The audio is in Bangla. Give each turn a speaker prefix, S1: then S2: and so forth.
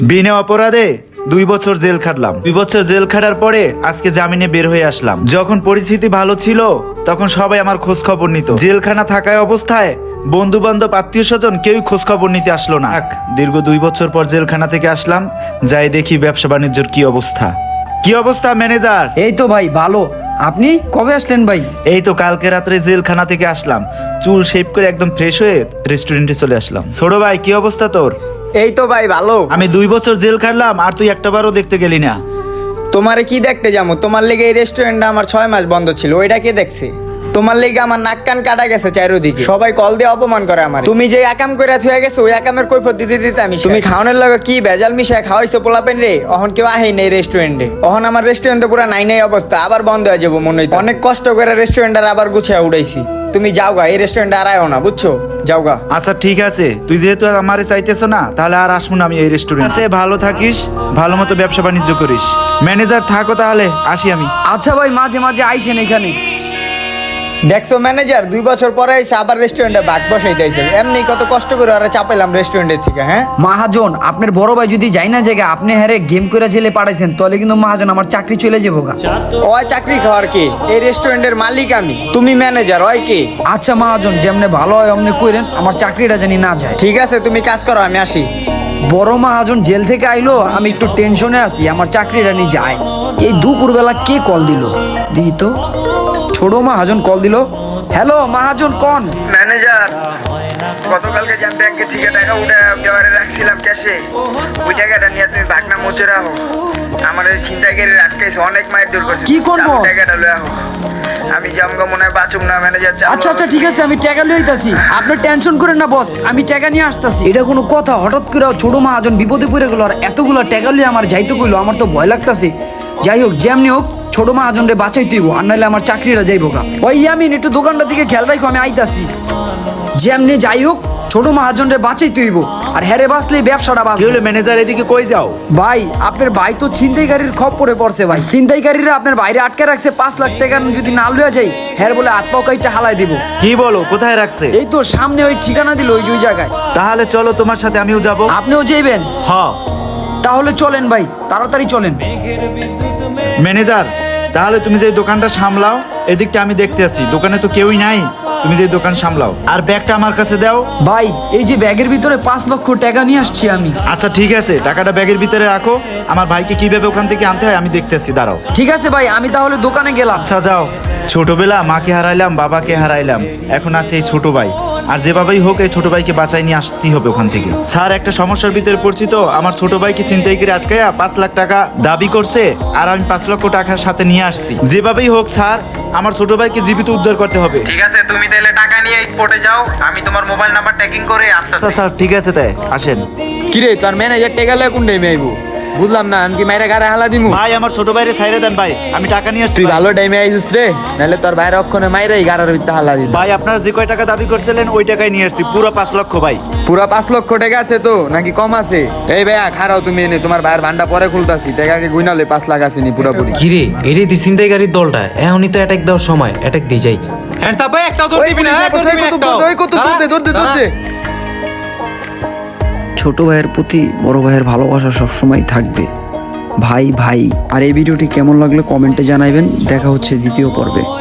S1: বিনা অপরাধে 2 বছর জেল খাটলাম। 2 বছর জেল খাটার পরে আজকে জামিনে বের হয়ে আসলাম। যখন পরিস্থিতি ভালো ছিল তখন সবাই আমার খোঁজ খবর নিত। জেলখানা থাকায় অবস্থায় বন্ধু বান্ধব আত্মীয় স্বজন কেউই খোঁজ খবর নিতে আসলো না। দীর্ঘ 2 বছর পর জেলখানা থেকে আসলাম, যাই দেখি ব্যবসা বাণিজ্যের কি অবস্থা। কি অবস্থা ম্যানেজার?
S2: এই তো ভাই ভালো। আপনি কবে আসলেন ভাই?
S1: এই তো কালকে রাত্রে জেলখানা থেকে আসলাম, চুল শেভ করে একদম ফ্রেশ হয়ে রেস্টুরেন্টে চলে আসলাম। ছোট ভাই কি অবস্থা তোর?
S3: এই তো ভাই ভালো।
S1: আমি 2 বছর জেল খাটলাম আর তুই একটাবারও দেখতে গেলি না।
S3: তোমারে কি দেখতে যাবো? তোমার লেগে এই রেস্টুরেন্টটা আমার 6 মাস বন্ধ ছিল, ওইটা কে দেখছে? তোমার লেগে আমার নাক কান কাটা গেছে চারিদিকে, সবাই কল দিয়ে অপমান করে আমার। তুমি যে একাম করে থুয়ে গেছো ওই একামের কৈফত দিতে দিতে আমি তুমি খাওয়ানোর লগে কি ভেজাল মিশায় খাওয়াইছো পোলাপেন রে। অহন কেউ আহেই নেই রেস্টুরেন্টে। অহন আমার রেস্টুরেন্টে পুরো নাই নাই অবস্থা, আবার বন্ধ হয়ে যাবো মনে হইতো। অনেক কষ্ট করে রেস্টুরেন্টটা আবার গুছিয়ে উড়াইছি। তুমি যাওগা, এই রেস্টুরেন্টে আর আয়ও না, বুঝছো? যাওগা।
S1: আচ্ছা ঠিক আছে, তুই যেহেতু আমারে চাইতেছ না তাহলে আর আসবো না আমি এই রেস্টুরেন্টে। ভালো থাকিস, ভালো মতো ব্যবসা বাণিজ্য করিস। ম্যানেজার থাকো তাহলে, আসি আমি।
S2: আচ্ছা ভাই, মাঝে মাঝে আইসেন এখানে।
S3: দেখছো ম্যানেজার, 2 বছর পরে এসে আবার রেস্টুরেন্টে ভাগ বসাই দিয়েছে। এমনি কত কষ্ট করে ওরা চাপাইলাম রেস্টুরেন্টের থেকে। হ্যাঁ
S2: মহাজন, আপনার বড় ভাই যদি যাই না জায়গা আপনি হ্যারে গেম করে ছেলে পাঠাইছেন, তাহলে কিন্তু মহাজন আমার চাকরি চলে যাবো গা।
S3: ওই চাকরি খাওয়ার কে? এই রেস্টুরেন্টের মালিক আমি, তুমি ম্যানেজার। ওই কে?
S2: আচ্ছা মহাজন, যেমনে ভালো হয় অমনে কইরেন, আমার চাকরিটা জানি না যায়।
S3: ঠিক আছে, তুমি কাজ করো, আমি আসি।
S2: বড় মহাজন জেল থেকে আইলো, আমি একটু টেনশনে আছি, আমার চাকরিটা নিয়ে যায়। এই দুপুরবেলা কে কল দিল দেখি তো। ছোট মহাজন কল দিল। হ্যালো মহাজন, কোন?
S3: ম্যানেজার, গতকালকে যে আমি ব্যাংকে থেকে টাকা উঠে দেওয়ারে রাখছিলাম ক্যাশে, ওই টাকাটা নিয়ে তুমি ভাগনা মুচে রাখো। আমার এই ছিনতাইকারী আটকাইছে, অনেক মায়ের দূর করছে।
S2: কি করবো?
S3: টাকাটা লয়ে আহো। আমি জামগা মনে হয় বাঁচুম না ম্যানেজার।
S2: আচ্ছা আচ্ছা ঠিক আছে, আমি টাকা লই আইতাছি। আপনি টেনশন করেন না বস, আমি টাকা নিয়ে আসতাছি। এটা কোনো কথা? হঠাৎ করে ছোট মহাজন বিপদে পড়ে গেল আর এতগুলো টাকা লই আমার যাইতে কইলো, আমার তো ভয় লাগতাছে। যাই হোক, যেমনি হোক ছোট মহাজন রে বাঁচাই তুইব, আর নাইলে আমার চাকরিটা যাইব গা। ওই ইয়ামিন, একটু দোকানটা দিকে খেয়াল রাখো, আমি আইতাছি। যেমনি যাই হোক ছোট মহাজন রে বাঁচাই তুইব, আর হ্যারে বাঁচলে ব্যবসাটা
S1: কি
S2: বাঁচবে।
S1: হলো ম্যানেজার, এদিকে কই যাও?
S2: ভাই আপনার ভাই তো ছিনতাইকারীর খপ্পরে পড়ছে ভাই। ছিনতাইকারীরা আপনার বাইরে আটকে রাখছে, 5 লাখ টাকা যদি না লইয়া যাই হ্যার বলে হাত পাও কাইটা হালাই দিব।
S1: কি বলো, কোথায় রাখছে?
S2: এই তো সামনে ওই ঠিকানা দিল, ওই যে ওই জায়গায়।
S1: তাহলে চলো তোমার সাথে আমিও যাব।
S2: আপনিও যাইবেন?
S1: হ্যাঁ।
S2: তাহলে চলেন ভাই, তাড়াতাড়ি চলেন।
S1: ম্যানেজার, তাহলে তুমি যে দোকানটা সামলাও, এদিকটা আমি দেখতে আছি। দোকানে তো কেউই নাই, তুমি যে দোকান সামলাও। আর ব্যাগটা আমার কাছে দাও।
S2: ভাই এই যে ব্যাগের ভিতরে 5 লক্ষ টাকা নিয়ে আসছি আমি।
S1: আচ্ছা ঠিক আছে, টাকাটা ব্যাগের ভিতরে রাখো। আমার ভাইকে কিভাবে ওখান থেকে আনতে হয় আমি দেখতেছি, দাঁড়াও।
S2: ঠিক আছে ভাই, আমি তাহলে দোকানে গেলাম।
S1: আচ্ছা যাও। ছোটবেলা মাকে হারাইলাম, বাবাকে হারাইলাম, এখন আছে এই ছোট ভাই। আর যেভাবেই হোক এই ছোট ভাইকে বাঁচাই নিয়ে আসতেই হবে ওখান থেকে। স্যার, একটা সমস্যার ভিতরে পড়ছি তো, আমার ছোট ভাইকে ছিনতাই করে আটকায়া 5 লাখ টাকা দাবি করছে, আর আমি 5 লক্ষ টাকার সাথে নিয়ে আসছি। যেভাবেই হোক স্যার, আমার ছোট ভাইকে জীবিত উদ্ধার করতে হবে।
S3: ঠিক আছে, তুমি তাহলে টাকা নিয়ে স্পটে যাও, আমি তোমার মোবাইল নাম্বার ট্র্যাকিং করে
S1: আচ্ছা
S3: আসতেছি।
S1: স্যার ঠিক আছে, তাই আসেন।
S4: কিরে তোর ম্যানেজার টেকা লয় কোন টাইমে আইবো? বুঝলাম না, আমি কি মাইরা গাড়ি হালা দিমু?
S1: ভাই আমার ছোট ভাইরে ছাইরে দেন ভাই, আমি টাকা নিয়ে আসছি।
S4: তুই ভালো টাইমে আইছিস রে, নাহলে তোর ভাইয়ের অক্ষণে মাইরাই গাড়ার ভিতরে হালা দিত।
S1: ভাই আপনারা যে কয় টাকা দাবি করছিলেন ওই টাকাই নিয়ে আসছি, পুরো 5 লক্ষ ভাই।
S4: পুরা 5 লক্ষ টাকা আছে তো নাকি কম আছে? এই ভাইয়া খারাও, তুমি এনে তোমার ভাইয়ের ভান্ডা পরে খুলতাছি, টাকাকে গুইনালে 5 লাখ আসেনি পুরোপুরি।
S5: কিরে এটাই দি ছিনতাইকারীর দলটা, এখনই তো অ্যাটাক দেওয়ার সময়, অ্যাটাক দিয়ে যাই।
S2: ছোট ভাইয়ের প্রতি বড় ভাইয়ের ভালোবাসা সবসময় থাকবে। ভাই ভাই। আর এই ভিডিওটি কেমন লাগলো কমেন্টে জানাইবেন। দেখা হচ্ছে দ্বিতীয় পর্বে।